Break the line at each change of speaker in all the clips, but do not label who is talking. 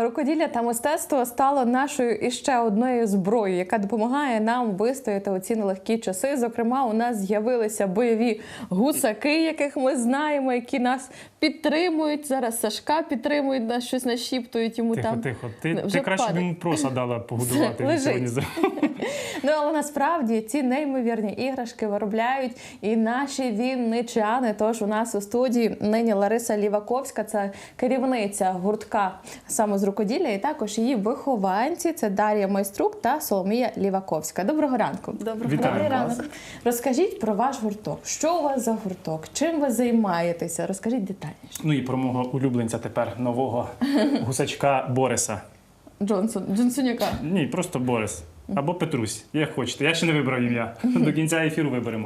Рукоділля та мистецтво стало нашою іще одною зброєю, яка допомагає нам вистояти у ці нелегкі часи. Зокрема, у нас з'явилися бойові гусаки, яких ми знаємо, які нас підтримують. Зараз Сашка підтримують, нас щось нашіптують йому там.
Тихо. Ти краще б йому проса дала погодувати.
Лежить. Ну, але насправді ці неймовірні іграшки виробляють і наші вінничани. Тож у нас у студії нині Лариса Ліваковська, це керівниця гуртка саме з рукоділля, і також її вихованці – це Дар'я Майструк та Соломія Ліваковська. Доброго ранку.
Добрий ранок.
Розкажіть про ваш гурток. Що у вас за гурток? Чим ви займаєтеся? Розкажіть детальніше.
Ну і про мого улюбленця тепер, нового гусачка Бориса.
Джонсоняка.
Ні, просто Борис. Або Петрусь, як хочете. Я ще не вибрав ім'я. До кінця ефіру виберемо.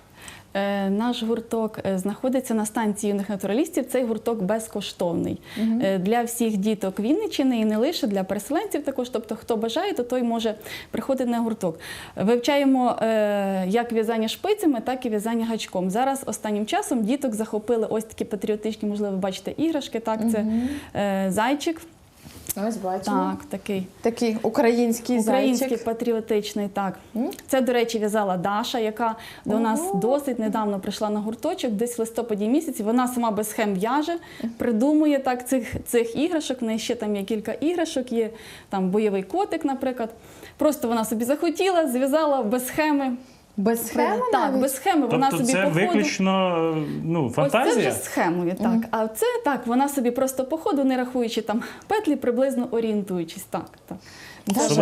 Наш гурток знаходиться на станції юних натуралістів. Цей гурток безкоштовний для всіх діток Вінниччини і не лише для переселенців також. Тобто, хто бажає, то той може приходити на гурток. Вивчаємо як в'язання шпицями, так і в'язання гачком. Зараз останнім часом діток захопили ось такі патріотичні, можливо, бачите, іграшки. Так, це зайчик.
Ось бачимо.
Так,
такий український зайчик.
Патріотичний, так. Це, до речі, в'язала Даша, яка до нас досить недавно прийшла на гурточок, десь в листопаді місяці. Вона сама без схем в'яже, придумує так цих іграшок. В неї ще там є кілька іграшок, є там бойовий котик, наприклад. Просто вона собі захотіла, зв'язала без схеми.
Без схеми?
Так, без схеми. Вона собі
це виключно фантазія?
Ось це вже схемою, так. А це так, вона собі просто по ходу, не рахуючи там петлі, приблизно орієнтуючись. Так.
Даша,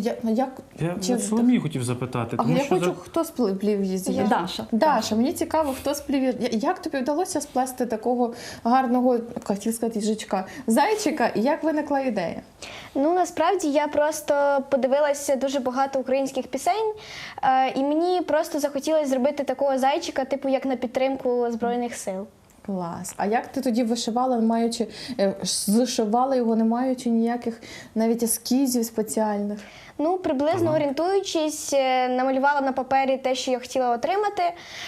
Я Соломію хотів запитати.
А я хочу, хто сплів її? Даша, мені цікаво, хто сплів. Як тобі вдалося сплести такого гарного, хотів сказати, їжачка, зайчика, і як виникла ідея?
Ну, насправді, я просто подивилася дуже багато українських пісень, і мені просто захотілося зробити такого зайчика, типу, як на підтримку Збройних сил.
Клас. А як ти тоді вишивала, зшивала його, не маючи ніяких навіть ескізів спеціальних?
Ну, приблизно орієнтуючись, намалювала на папері те, що я хотіла отримати,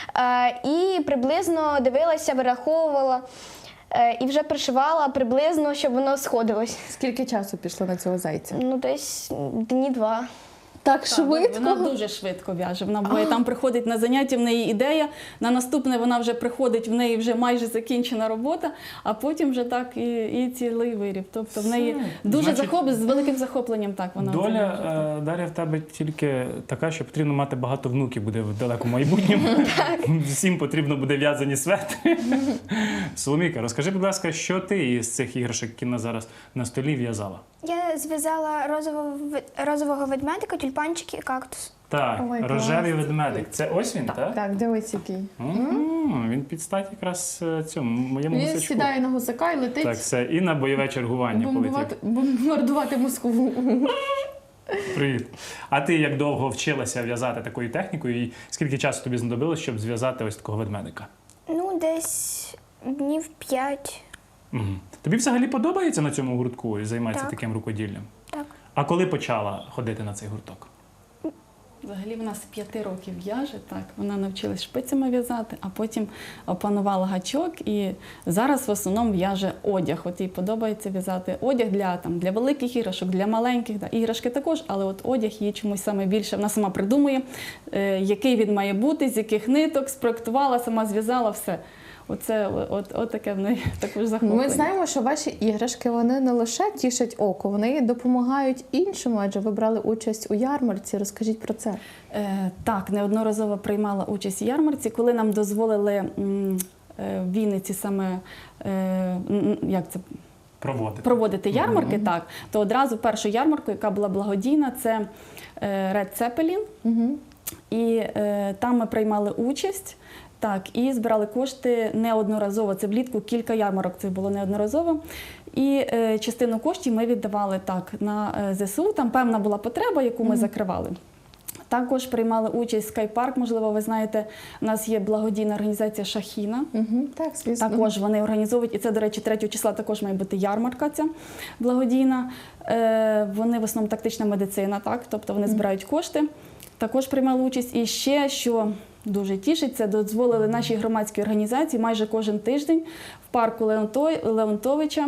і приблизно дивилася, вираховувала, і вже пришивала приблизно, щоб воно сходилось.
Скільки часу пішло на цього зайця?
Ну, десь дні 2.
Так швидко?
Вона дуже швидко в'яже. Вона буває, там приходить на заняття, в неї ідея, на наступне вона вже приходить, в неї вже майже закінчена робота, а потім вже так і цілий виріб. Тобто в неї дуже з великим захопленням так вона.
Доля, Дар'я, в тебе тільки така, що потрібно мати багато внуків буде в далекому майбутньому. Всім потрібно буде в'язані светри. Соломійка, розкажи, будь ласка, що ти із цих іграшок, які на зараз на столі, в'язала?
Я зв'язала розового ведмедика, тюльпанчики і кактус.
Так, рожевий ведмедик. Це ось він, так?
Так, дивись який.
Він під стать якраз цьому моєму гусачку.
Він сідає на гусака і летить.
Так, все. І на бойове чергування полетів.
Бомбардувати Москву.
Привіт. А ти як довго вчилася в'язати такою технікою? І скільки часу тобі знадобилось, щоб зв'язати ось такого ведмедика?
Ну, десь днів 5.
Тобі взагалі подобається на цьому гуртку і займатися таким рукоділлям?
Так.
А коли почала ходити на цей гурток?
Взагалі вона з 5 років в'яже, так. Вона навчилась шпицями в'язати, а потім опанувала гачок і зараз в основному в'яже одяг. От їй подобається в'язати одяг для великих іграшок, для маленьких. Іграшки також, але от одяг їй чомусь саме більше. Вона сама придумує, який він має бути, з яких ниток, спроектувала, сама зв'язала все. От таке в неї також захоплення.
Ми знаємо, що ваші іграшки, вони не лише тішать око, вони допомагають іншому, адже ви брали участь у ярмарці. Розкажіть про це.
Так, неодноразово приймала участь у ярмарці, коли нам дозволили в Вінниці саме, проводити ярмарки, так, то одразу першу ярмарку, яка була благодійна, це Red Zeppelin, і там ми приймали участь. Так, і збирали кошти неодноразово. Це влітку кілька ярмарок, це було неодноразово. І частину коштів ми віддавали так на ЗСУ. Там певна була потреба, яку ми закривали. Також приймали участь Скайпарк, можливо, ви знаєте, у нас є благодійна організація Шахіна.
Так, звісно.
Також вони організовують, і це, до речі, 3 числа також має бути ярмарка ця благодійна. Вони в основному тактична медицина, так, тобто вони збирають кошти. Також приймали участь. І ще, що дуже тішить, це дозволили нашій громадській організації майже кожен тиждень в парку Леонтовича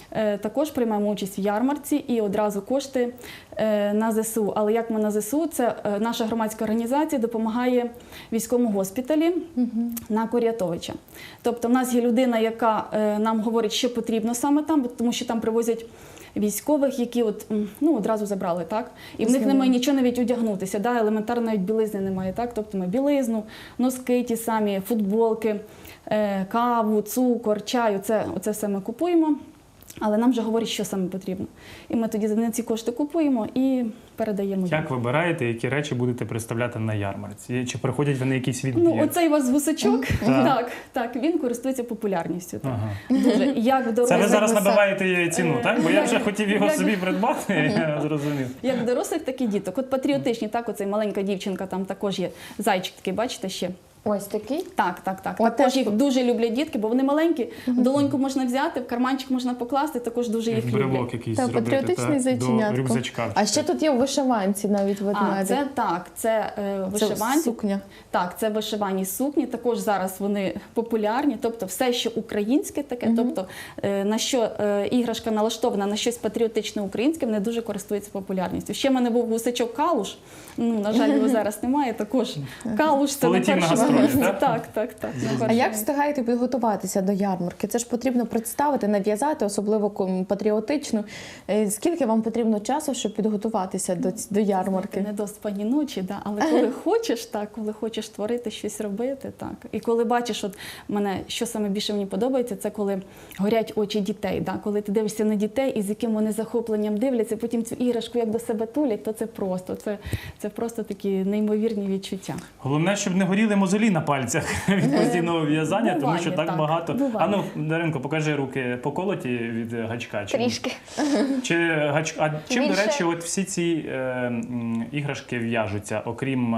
також приймаємо участь в ярмарці і одразу кошти на ЗСУ. Але як ми на ЗСУ, це наша громадська організація допомагає військовому госпіталі на Курятовича. Тобто в нас є людина, яка нам говорить, що потрібно саме там, тому що там привозять військових, які одразу забрали, так? І в них немає нічого навіть одягнутися, да? Елементарно навіть білизни немає, так? Тобто ми білизну, носки ті самі, футболки, каву, цукор, чай, оце все ми купуємо. Але нам вже говорять, що саме потрібно. І ми тоді на ці кошти купуємо і передаємо.
Як вибираєте, які речі будете представляти на ярмарці? Чи приходять вони якісь відбір?
Оцей у вас гусачок, так, він користується популярністю. Так.
Ага.
Дуже. Як
Це ви зараз
дорослих,
набиваєте ціну, так? Бо я вже хотів його собі придбати, я зрозумів.
як дорослих, так і діток. От патріотичні, так, оцей маленька дівчинка, там також є зайчик такий, бачите, ще.
Ось такий?
Так.
От
Також
теж
їх дуже люблять дітки, бо вони маленькі, в долоньку можна взяти, в карманчик можна покласти, також дуже їх люблять.
Брелок якийсь
Та
зробити
патріотичний
до
зайченятко.
рюкзачка.
А ще тут є у вишиванці навіть ведмедик.
Це вишиванці.
Сукня.
Так, це вишивані сукні, також зараз вони популярні, тобто все, що українське таке, тобто на що іграшка налаштована на щось патріотичне українське, вони дуже користуються популярністю. Ще в мене був гусачок Калуш, на жаль, його зараз немає, також Калуш це на
Полетів на
першому
гастролі,
місці.
так?
Так.
А як встигаєте підготуватися до ярмарки? Це ж потрібно представити, нав'язати, особливо патріотичну. Скільки вам потрібно часу, щоб підготуватися до ярмарки?
Не доспані ночі, да. Але коли хочеш творити, щось робити, так. І коли бачиш, от мене, що саме більше мені подобається, це коли горять очі дітей. Да. Коли ти дивишся на дітей і з яким вони захопленням дивляться, потім цю іграшку як до себе тулять, то це просто такі неймовірні відчуття.
Головне, щоб не горіли мозолі на пальцях від постійного в'язання, тому
Буває,
що так
так,
багато.
буває.
Даринко, покажи руки поколоті від гачка.
Трішки.
Чим, до
Більше.
речі, от всі ці іграшки в'яжуться, окрім,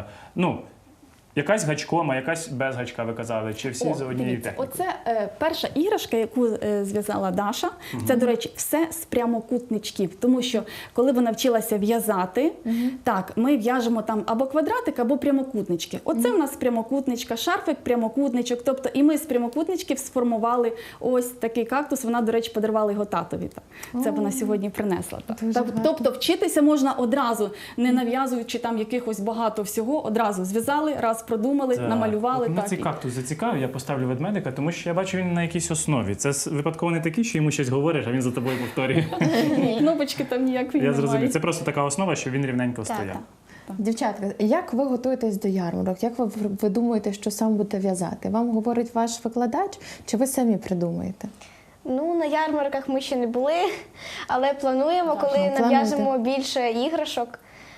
якась гачком, а якась без гачка, ви казали, чи всі за однією
Дивіться,
технікою?
оце перша іграшка, яку зв'язала Даша. Це, до речі, все з прямокутничків. Тому що, коли вона вчилася в'язати, так, ми в'яжемо там або квадратик, або прямокутнички. Оце в нас прямокутничка, шарфик, прямокутничок. Тобто, і ми з прямокутничків сформували ось такий кактус. Вона, до речі, подарувала його татові. Так. Це вона сьогодні принесла. Так.
Дуже
Тобто, вчитися можна одразу, не нав'язуючи там якихось багато всього, одразу зв'язали, раз продумали, намалювали.
От мене
Так,
цей кактус зацікавив, я поставлю ведмедика, тому що я бачу, він на якійсь основі. Це випадково не такий, що йому щось говориш, а він за тобою повторює.
Кнопочки там ніякої
Я зрозумів.
немає.
Це просто така основа, що він рівненько стояв.
Дівчатка, як ви готуєтесь до ярмарок? Як ви думаєте, що сам будете в'язати? Вам говорить ваш викладач, чи ви самі придумаєте?
На ярмарках ми ще не були, але плануємо, коли
плануєте.
нав'яжемо більше іграшок.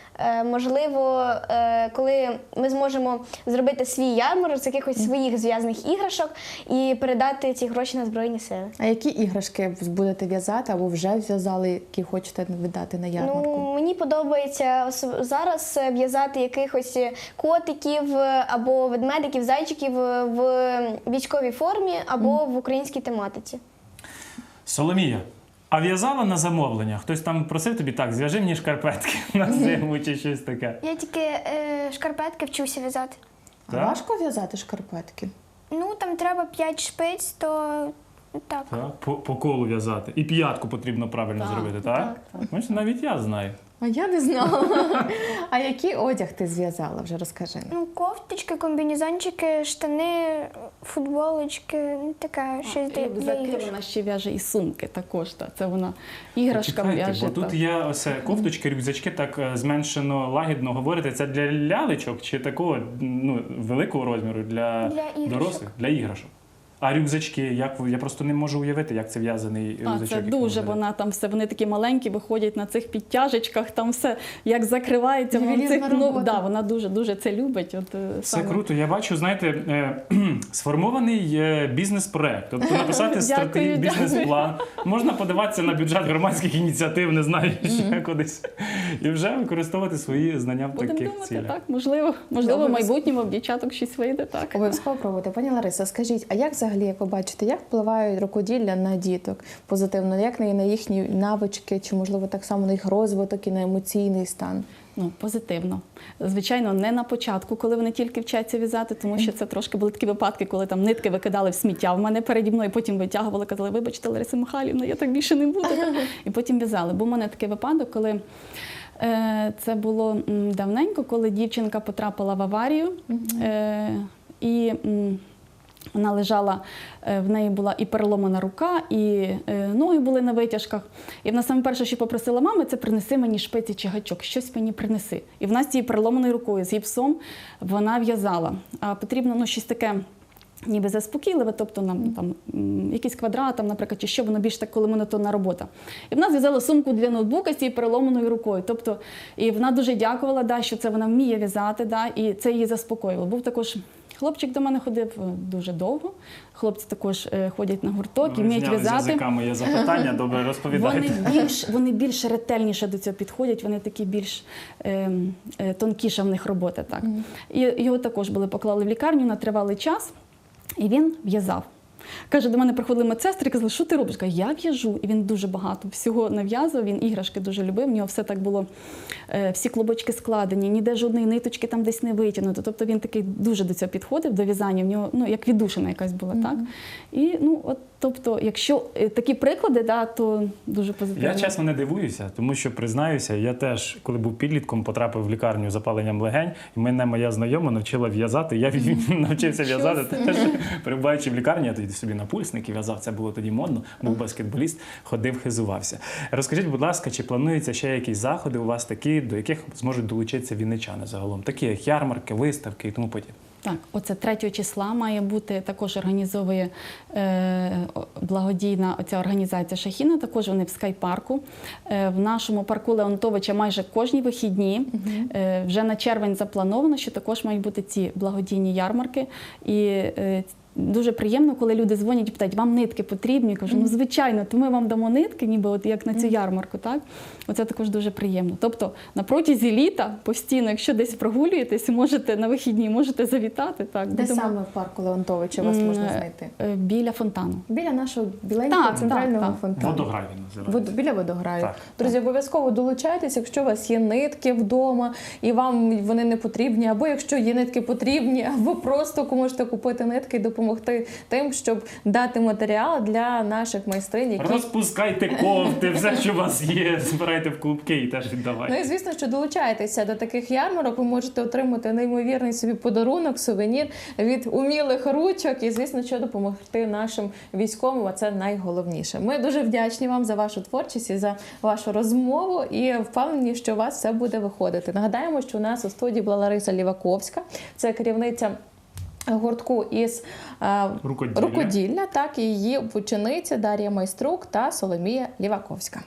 Можливо, коли ми зможемо зробити свій ярмарок з якихось своїх зв'язаних іграшок і передати ці гроші на Збройні Сили.
А які іграшки будете в'язати або вже в'язали, які хочете віддати на ярмарку?
Мені подобається зараз в'язати якихось котиків або ведмедиків, зайчиків в військовій формі або в українській тематиці.
Соломія, а в'язала на замовлення? Хтось там просив тобі, так, зв'яжи мені шкарпетки на зиму чи щось таке?
Я тільки шкарпетки вчуся в'язати.
А
Так?
важко в'язати шкарпетки?
Там треба 5 шпиць, то так.
Так, по колу в'язати. І п'ятку потрібно правильно зробити, так? Бачите, навіть я знаю.
А я не знала. А який одяг ти зв'язала? Вже розкажи.
Кофточки, комбінезончики, штани, футболочки, таке щось для
Рюкзаки
іграшок.
вона ще в'яже і сумки також. Так. Це вона іграшка
Почекайте,
в'яже.
бо тут
так.
є ось кофточки, рюкзачки, так зменшено, лагідно говорите. Це для лялечок чи такого великого розміру для
Для іграшок.
дорослих? Для іграшок. А рюкзачки, я просто не можу уявити, як це в'язаний рюкзачок.
Це
який
дуже,
ви
вона там все, вони такі маленькі, виходять на цих підтяжечках, там все як закривається.
Ювелірна робота.
Вона дуже це любить.
Це
саме.
круто. Я бачу, знаєте, сформований бізнес-проект. Тобто написати
Дякую,
бізнес-план. Можна подаватися на бюджет громадських ініціатив, не знаю, ще кудись. І вже використовувати свої знання в
Будемо
таких
думати,
цілях.
так, можливо, в майбутньому в дівчаток щось вийде, так.
Обов'язково пробуйте. Пані Лариса, скажіть, а як взагалі, як ви бачите, як впливають рукоділля на діток позитивно? Як на їхні навички, чи, можливо, так само на їх розвиток і на емоційний стан?
Ну, позитивно. Звичайно, не на початку, коли вони тільки вчаться в'язати, тому що це трошки були такі випадки, коли там нитки викидали в сміття в мене переді мною, потім витягували, казали, вибачте, Лариса Михайлівна, я так більше не буду. І потім в'язали. Був у мене такий випадок, коли це було давненько, коли дівчинка потрапила в аварію, і вона лежала, в неї була і переломана рука, і ноги були на витяжках. І вона саме перше, що попросила мами, це принеси мені шпиці чи гачок, щось мені принеси. І вона з цією переломаною рукою, з гіпсом, вона в'язала. А потрібно щось таке ніби заспокійливе, тобто нам там якийсь квадрат, там, наприклад, чи що, воно більш так, коли монотонна робота. І вона зв'язала сумку для ноутбука з цією переломаною рукою. Тобто, і вона дуже дякувала, да, що це вона вміє в'язати, да, і це її заспокоювало. Був також хлопчик до мене ходив дуже довго. Хлопці також ходять на гурток і вміють в'язати.
З язика моє запитання, добре, розповідайте.
Вони більш ретельніше до цього підходять, вони такі більш тонкіша в них робота. Так. І його також поклали в лікарню на тривалий час, і він в'язав. Каже, до мене приходили медсестри і казали, що ти робиш? Каже, я в'яжу. І він дуже багато всього нав'язував, він іграшки дуже любив, в нього все так було, всі клубочки складені, ніде жодної ниточки там десь не витягнуто. Тобто він такий дуже до цього підходив, до в'язання, в нього, як віддушина якась була, так? І, тобто, якщо такі приклади, да, то дуже позитивно.
Я, чесно, не дивуюся, тому що, признаюся, я теж, коли був підлітком, потрапив в лікарню з запаленням легень, і мене моя знайома навчила в'язати, я навчився в'язати теж, перебуваючи в лікарні, я тоді собі напульсники в'язав, це було тоді модно, був баскетболіст, ходив, хизувався. Розкажіть, будь ласка, чи плануються ще якісь заходи у вас такі, до яких зможуть долучитися вінничани загалом, такі як ярмарки, виставки і тому подібне?
Так, оце 3 числа має бути, також організовує благодійна оця організація Шахіна, також вони в скайпарку. В нашому парку Леонтовича майже кожні вихідні, вже на червень заплановано, що також мають бути ці благодійні ярмарки. І дуже приємно, коли люди дзвонять і питають, вам нитки потрібні? Я кажу, звичайно, то ми вам дамо нитки, ніби от як на цю ярмарку, так? Оце також дуже приємно. Тобто на протязі літа постійно, якщо десь прогулюєтесь, можете на вихідні, можете завітати. Так,
Де саме в парку Леонтовича вас можна знайти?
Біля фонтану.
Біля нашого біленького центрального фонтану.
Водограй він називається.
Біля водограю.
Так,
Друзі, обов'язково долучайтесь, якщо у вас є нитки вдома і вам вони не потрібні, або якщо є нитки потрібні, або просто можете купити нитки і допомогти тим, щоб дати матеріал для наших майстринь, які...
Розпускайте кофти, все, що у вас є, збирайте в клубки і теж віддавайте.
Ну і звісно, що долучайтеся до таких ярмарок, ви можете отримати неймовірний собі подарунок, сувенір від умілих ручок і, звісно, що допомогти нашим військовим, а це найголовніше. Ми дуже вдячні вам за вашу творчість і за вашу розмову і впевнені, що у вас все буде виходити. Нагадаємо, що у нас у студії була Лариса Ліваковська, це керівниця гуртку із рукоділля, так, і її учениця Дар'я Майструк та Соломія Ліваковська.